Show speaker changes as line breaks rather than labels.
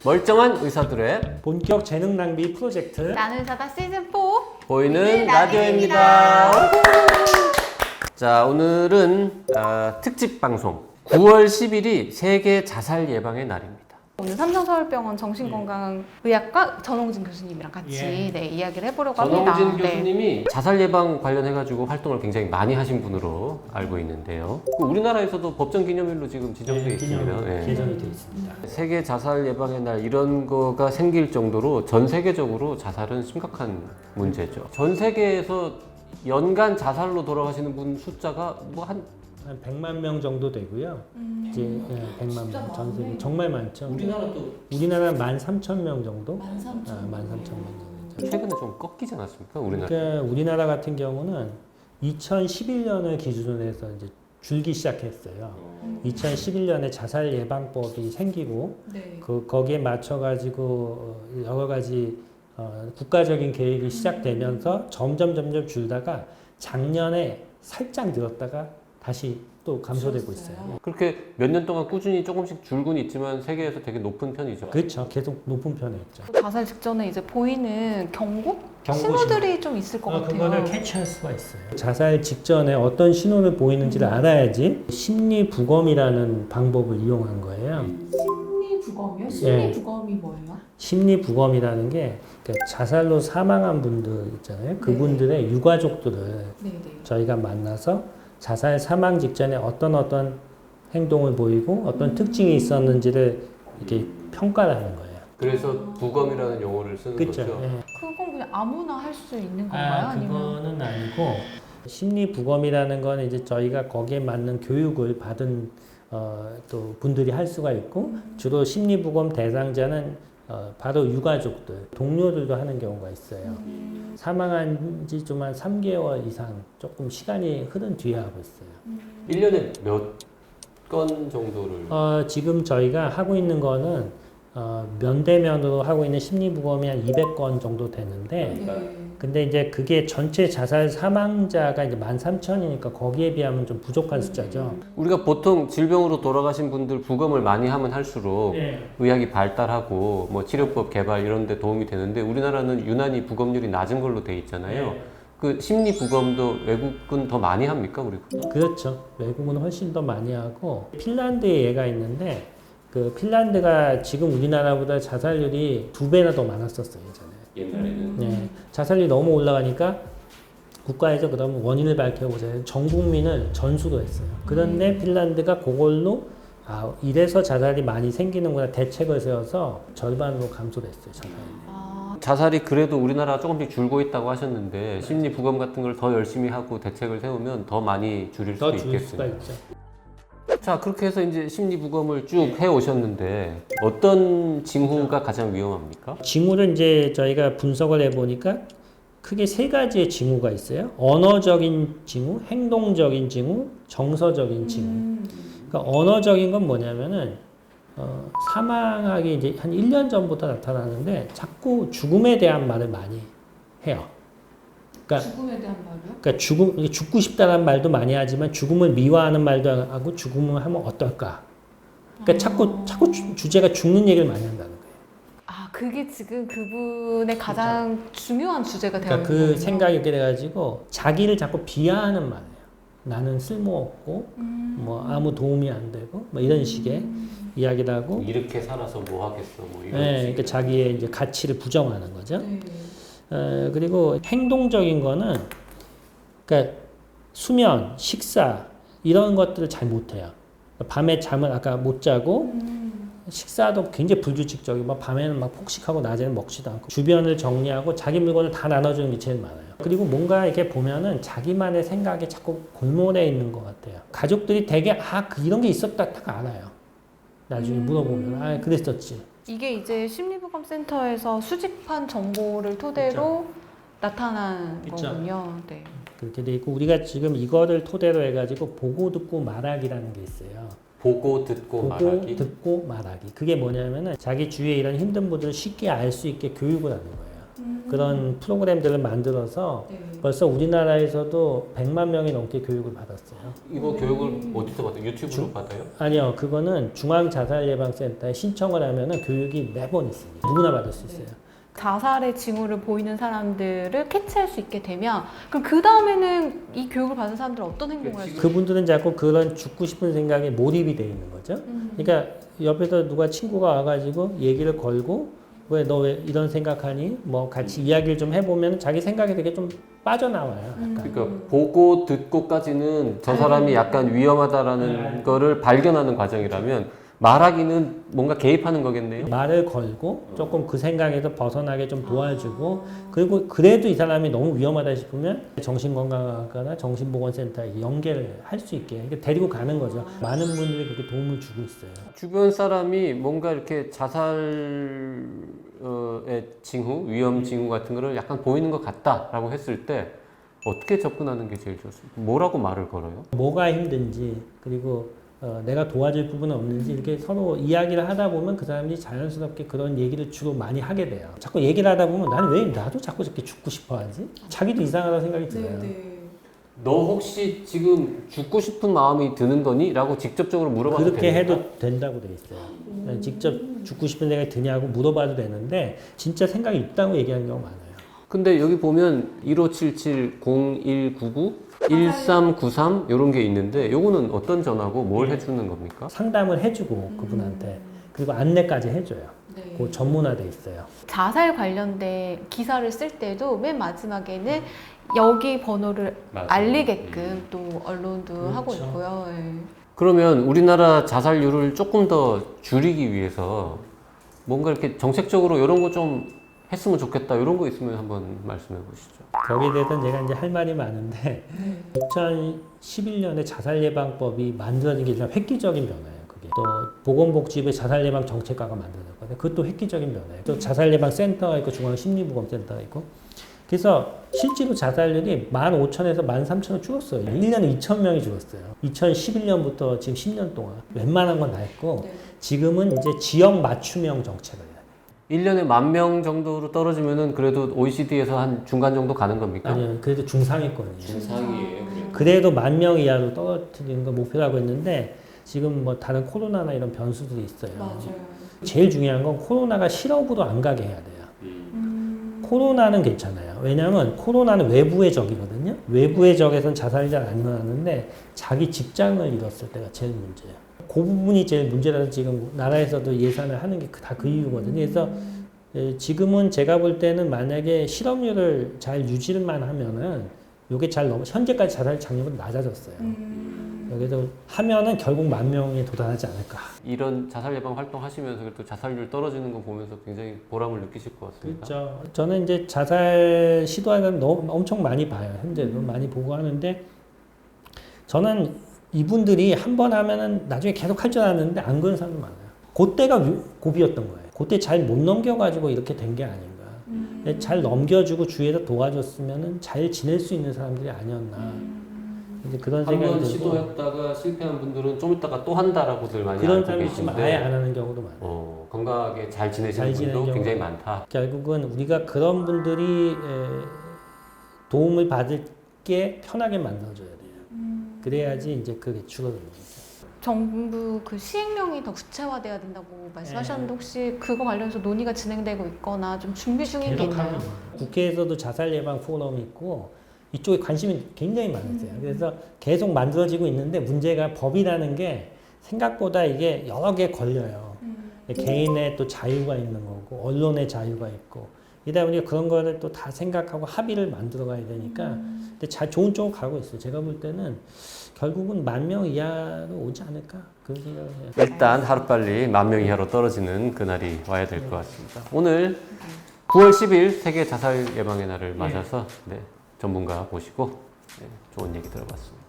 멀쩡한 의사들의
본격 재능 낭비 프로젝트
나는 의사다 시즌 4
보이는 라디오입니다. 자, 오늘은 특집 방송 9월 10일이 세계 자살 예방의 날입니다.
오늘 삼성서울병원 정신건강의학과 전홍진 교수님이랑 같이 이야기를 해보려고 합니다.
전홍진 교수님이 자살 예방 관련해가지고 활동을 굉장히 많이 하신 분으로 알고 있는데요. 우리나라에서도 법정 기념일로 지금 지정되어 있습니다.
개정이 되어 있습니다.
세계 자살 예방의 날 이런 거가 생길 정도로 전 세계적으로 자살은 심각한 문제죠. 전 세계에서 연간 자살로 돌아가시는 분 숫자가 한
100만 명 정도 되고요. 이제 100만 명 전 세계 정말 많죠. 우리나라는 13,000명 정도? 13,000명 정도.
최근에 좀 꺾이지 않았습니까? 우리나라.
그러니까 우리나라 같은 경우는 2011년을 기준으로 해서 이제 줄기 시작했어요. 2011년에 자살 예방법이 생기고 거기에 맞춰 가지고 여러 가지 국가적인 계획이 시작되면서 점점 줄다가 작년에 살짝 늘었다가 다시 또 감소되고 있어요.
그렇게 몇 년 동안 꾸준히 조금씩 줄곤 있지만 세계에서 되게 높은 편이죠.
그렇죠. 계속 높은 편에 있죠.
자살 직전에 이제 보이는 경고
경고
신호들이 좀 있을 것 같아요.
그거를 캐치할 수가 있어요. 자살 직전에 어떤 신호를 보이는지를 알아야지 심리 부검이라는 방법을 이용한 거예요.
심리 부검이요? 심리 부검이 뭐예요?
심리 부검이라는 게 그러니까 자살로 사망한 분들 있잖아요. 그분들의 유가족들을 저희가 만나서 자살 사망 직전에 어떤 행동을 보이고 어떤 특징이 있었는지를 이렇게 평가를 하는 거예요.
그래서 부검이라는 용어를 쓰는
그쵸?
거죠.
예.
그건 그냥 아무나 할 수 있는 건가요? 아니면
그거는 아니고 심리 부검이라는 건 이제 저희가 거기에 맞는 교육을 받은 또 분들이 할 수가 있고 주로 심리 부검 대상자는 바로 유가족들, 동료들도 하는 경우가 있어요. 사망한 지 좀 한 3개월 이상 조금 시간이 흐른 뒤에 하고 있어요.
1년에 몇 건 정도를?
지금 저희가 하고 있는 거는 면대면으로 하고 있는 심리부검이 한 200건 정도 되는데 근데 이제 그게 전체 자살 사망자가 이제 13,000이니까 거기에 비하면 좀 부족한 숫자죠.
우리가 보통 질병으로 돌아가신 분들 부검을 많이 하면 할수록 의학이 발달하고 뭐 치료법 개발 이런 데 도움이 되는데 우리나라는 유난히 부검률이 낮은 걸로 돼 있잖아요. 그 심리 부검도 외국은 더 많이 합니까, 우리가?
그렇죠. 외국은 훨씬 더 많이 하고 핀란드에 얘가 있는데 그 핀란드가 지금 우리나라보다 자살률이 2배나 더 많았었어요, 예전에.
옛날에는.
자살률이 너무 올라가니까 국가에서 그러면 원인을 밝혀보자. 전 국민을 전수도 했어요. 그런데 핀란드가 그걸로 이래서 자살이 많이 생기는구나 대책을 세워서 절반으로 감소됐어요, 자살이.
자살이 그래도 우리나라가 조금씩 줄고 있다고 하셨는데 심리 부검 같은 걸 더 열심히 하고 대책을 세우면 더 많이 줄일 수도
더 줄 수가
있겠군요.
있죠.
자, 그렇게 해서 이제 심리 부검을 쭉 해 오셨는데 어떤 징후가 가장 위험합니까?
징후를 이제 저희가 분석을 해보니까 크게 3가지의 징후가 있어요. 언어적인 징후, 행동적인 징후, 정서적인 징후. 그러니까 언어적인 건 뭐냐면은 사망하기 이제 한 1년 전부터 나타나는데 자꾸 죽음에 대한 말을 많이 해요. 그러니까
죽음에 대한 말이요?
그러니까 죽고 싶다는 말도 많이 하지만 죽음을 미워하는 말도 하고 죽음을 하면 어떨까? 그러니까 자꾸 주제가 죽는 얘기를 많이 한다는 거예요.
그게 지금 그분의 가장 중요한 주제가 되어
그러니까
있는
그
거군요.
생각이 이렇게 돼가지고 자기를 자꾸 비하하는 말이에요. 나는 쓸모없고 뭐 아무 도움이 안 되고 뭐 이런 식의 이야기를 하고
이렇게 살아서 뭐 하겠어, 뭐 이런.
그러니까 자기의 이제 가치를 부정하는 거죠. 그리고 행동적인 거는 그러니까 수면, 식사 이런 것들을 잘 못해요. 밤에 잠을 아까 못 자고 식사도 굉장히 불규칙적이고 막 밤에는 막 폭식하고 낮에는 먹지도 않고 주변을 정리하고 자기 물건을 다 나눠주는 게 제일 많아요. 그리고 뭔가 이렇게 보면은 자기만의 생각에 자꾸 골몰해 있는 것 같아요. 가족들이 되게 이런 게 있었다 딱 알아요. 나중에 물어보면 그랬었지.
이게 이제 심리부검센터에서 수집한 정보를 토대로 나타난
그쵸.
거군요. 네.
그렇게 돼 있고 우리가 지금 이거를 토대로 해가지고 보고 듣고 말하기라는 게 있어요.
보고 듣고 말하기.
듣고 말하기. 그게 뭐냐면은 자기 주위에 이런 힘든 분들을 쉽게 알 수 있게 교육을 하는 거예요. 그런 프로그램들을 만들어서
네.
벌써 우리나라에서도 100만 명이 넘게 교육을 받았어요.
이거 교육을 어디서 받아요? 유튜브로 받아요?
아니요, 그거는 중앙자살예방센터에 신청을 하면은 교육이 매번 있습니다. 누구나 받을 수 있어요.
자살의 징후를 보이는 사람들을 캐치할 수 있게 되면 그럼 그 다음에는 이 교육을 받은 사람들은 어떤 행동을 할 수 있어요?
그분들은 자꾸 그런 죽고 싶은 생각에 몰입이 돼 있는 거죠. 그러니까 옆에서 누가 친구가 와가지고 얘기를 걸고 왜 너 왜 이런 생각하니? 뭐 같이 이야기를 좀 해보면 자기 생각이 되게 좀 빠져나와요. 약간.
그러니까 보고 듣고까지는 저 사람이 약간 위험하다라는 거를 발견하는 과정이라면 말하기는 뭔가 개입하는 거겠네요.
말을 걸고 조금 그 생각에서 벗어나게 좀 도와주고 그리고 그래도 이 사람이 너무 위험하다 싶으면 정신건강학과나 정신보건센터에 연계를 할 수 있게 이렇게 데리고 가는 거죠. 많은 분들이 그렇게 도움을 주고 있어요.
주변 사람이 뭔가 이렇게 자살의 징후, 위험 징후 같은 거를 약간 보이는 것 같다라고 했을 때 어떻게 접근하는 게 제일 좋습니까? 뭐라고 말을 걸어요?
뭐가 힘든지 그리고 내가 도와줄 부분은 없는지 이렇게 서로 이야기를 하다 보면 그 사람이 자연스럽게 그런 얘기를 주로 많이 하게 돼요. 자꾸 얘기를 하다 보면 나는 왜 나도 자꾸 저렇게 죽고 싶어 하지? 자기도 이상하다는 생각이 들어요.
너 혹시 지금 죽고 싶은 마음이 드는 거니? 라고 직접적으로 물어봐도
그렇게
됩니까?
해도 된다고 돼 있어요. 직접 죽고 싶은 생각이 드냐고 물어봐도 되는데 진짜 생각이 있다고 얘기하는 경우가 많아요.
근데 여기 보면 1577-0199 1393 이런 게 있는데 요거는 어떤 전화고 뭘 해주는 겁니까?
상담을 해주고 그분한테 그리고 안내까지 해줘요.
네.
그 전문화돼 있어요.
자살 관련된 기사를 쓸 때도 맨 마지막에는 여기 번호를
맞아요.
알리게끔 또 언론도 하고
그렇죠.
있고요. 예.
그러면 우리나라 자살률을 조금 더 줄이기 위해서 뭔가 이렇게 정책적으로 이런 거 좀 했으면 좋겠다 이런 거 있으면 한번 말씀해 보시죠.
거기에 대해서는 제가 이제 할 말이 많은데 2011년에 자살예방법이 만들어진 게 일단 획기적인 변화예요. 그게 또 보건복지부의 자살예방 정책과가 만들어졌거든요. 그것도 획기적인 변화예요. 또 자살예방센터가 있고 중앙심리부검센터가 있고 그래서 실제로 자살률이 15,000에서 13,000으로 줄었어요. 1년에 2,000명이 줄었어요. 2011년부터 지금 10년 동안 웬만한 건 다 했고 지금은 이제 지역 맞춤형 정책을 해요.
1년에 10,000명 정도로 떨어지면은 그래도 OECD에서 한 중간 정도 가는 겁니까?
아니요, 그래도 중상위권이에요.
중상이에요.
그래도 10,000명 이하로 떨어뜨리는 걸 목표로 하고 있는데 지금 뭐 다른 코로나나 이런 변수들이 있어요.
맞아요.
제일 중요한 건 코로나가 실업으로 안 가게 해야 돼요. 코로나는 괜찮아요. 왜냐하면 코로나는 외부의 적이거든요. 외부의 적에선 자살이 잘 안 일어나는데 자기 직장을 잃었을 때가 제일 문제예요. 그 부분이 제일 문제라서 지금 나라에서도 예산을 하는 게 다 그 이유거든요. 그래서 지금은 제가 볼 때는 만약에 실업률을 잘 유지만 하면은 이게 잘 현재까지 자살 장려보다 낮아졌어요. 그래서 하면은 결국 10,000명에 도달하지 않을까.
이런 자살 예방 활동 하시면서 또 자살률 떨어지는 거 보면서 굉장히 보람을 느끼실 것 같습니다.
그렇죠. 저는 이제 자살 시도하는 너무 엄청 많이 봐요. 현재도 많이 보고 하는데 저는 이분들이 한 번 하면은 나중에 계속 할 줄 알았는데 안 그런 사람도 많아요. 그때가 고비였던 거예요. 그때 잘 못 넘겨가지고 이렇게 된 게 아닌가. 잘 넘겨주고 주위에서 도와줬으면은 잘 지낼 수 있는 사람들이 아니었나. 이제 그런 생각이
한번
들고
시도했다가 실패한 분들은 좀 있다가 또 한다라고들 많이
그런
알고
사람이 있으면
계신데
아예 안 하는 경우도 많아요.
건강하게 잘 지내시는
잘 지내는
분도
경우가
굉장히 많다.
결국은 우리가 그런 분들이 도움을 받을 게 편하게 만들어줘야 돼요. 그래야지 이제 그게 줄어드는 거죠.
정부 그 시행령이 더 구체화돼야 된다고 말씀하셨는데 혹시 그거 관련해서 논의가 진행되고 있거나 좀 준비 중인 게 있나요?
국회에서도 자살 예방 포럼이 있고 이쪽에 관심이 굉장히 많았어요. 그래서 계속 만들어지고 있는데 문제가 법이라는 게 생각보다 이게 여러 개 걸려요. 개인의 또 자유가 있는 거고 언론의 자유가 있고 이다 보니까 그런 거를 또 다 생각하고 합의를 만들어 가야 되니까 근데 잘 좋은 쪽으로 가고 있어요. 제가 볼 때는 결국은 10,000명 이하로 오지 않을까 그런 생각을 해요.
일단 하루빨리 10,000명 이하로 떨어지는 그날이 와야 될 것 같습니다. 오늘 9월 10일 세계 자살 예방의 날을 맞아서 전문가 모시고 좋은 얘기 들어봤습니다.